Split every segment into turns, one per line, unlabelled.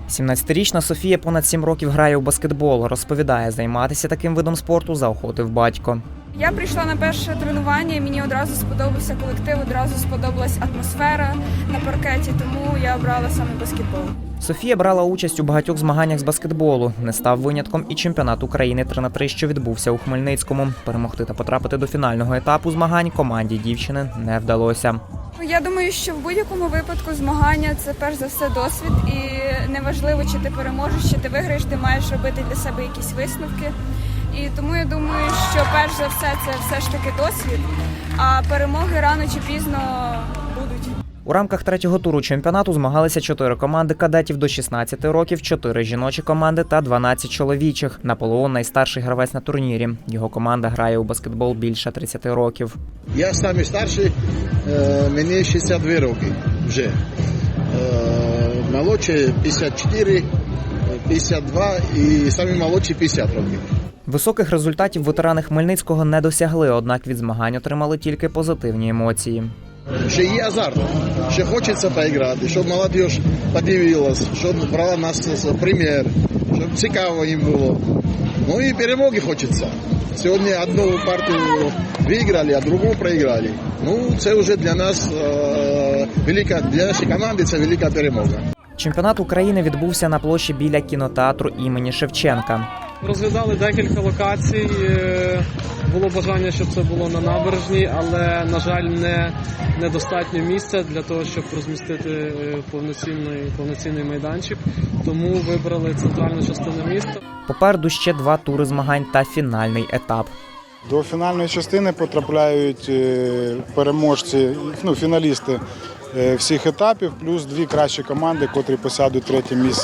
17-річна Софія понад 7 років грає у баскетбол. Розповідає, займатися таким видом спорту заохотив батько.
Я прийшла на перше тренування, і мені одразу сподобався колектив, одразу сподобалась атмосфера на паркеті, тому я обрала саме баскетбол.
Софія брала участь у багатьох змаганнях з баскетболу. Не став винятком і чемпіонат України 3х3, що відбувся у Хмельницькому. Перемогти та потрапити до фінального етапу змагань команді дівчини не вдалося.
Я думаю, що в будь-якому випадку змагання – це перш за все досвід, і неважливо, чи ти переможеш, чи ти виграєш, ти маєш робити для себе якісь висновки. І тому я думаю, що перш за все це все ж таки досвід, а перемоги рано чи пізно будуть.
У рамках третього туру чемпіонату змагалися 4 команди кадетів до 16 років, 4 жіночі команди та 12 чоловічих. Наполеон – найстарший гравець на турнірі. Його команда грає у баскетбол більше 30 років.
Я самий старший, мені 62 роки вже. Молодший 54, 52 і самі молодші 50 років.
Високих результатів ветерани Хмельницького не досягли, однак від змагань отримали тільки позитивні емоції.
Ще є азарт, ще хочеться поіграти, щоб молодь подивилась, щоб брала нас примір, щоб цікаво їм було. Ну і перемоги хочеться. Сьогодні одну партію виграли, а другу проіграли. Ну це вже для нас велика, для нашої команди це велика перемога.
Чемпіонат України відбувся на площі біля кінотеатру імені Шевченка.
Розглядали декілька локацій, було бажання, щоб це було на набережній, але, на жаль, недостатньо місця для того, щоб розмістити повноцінний майданчик, тому вибрали центральну частину міста.
Попереду ще 2 тури змагань та фінальний етап.
До фінальної частини потрапляють переможці, фіналісти всіх етапів, плюс 2 кращі команди, котрі посядуть 3-є місце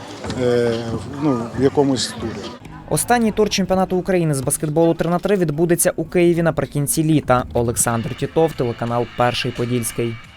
в якомусь турі.
Останній тур чемпіонату України з баскетболу 3х3 відбудеться у Києві наприкінці літа. Олександр Тітов, телеканал «Перший Подільський».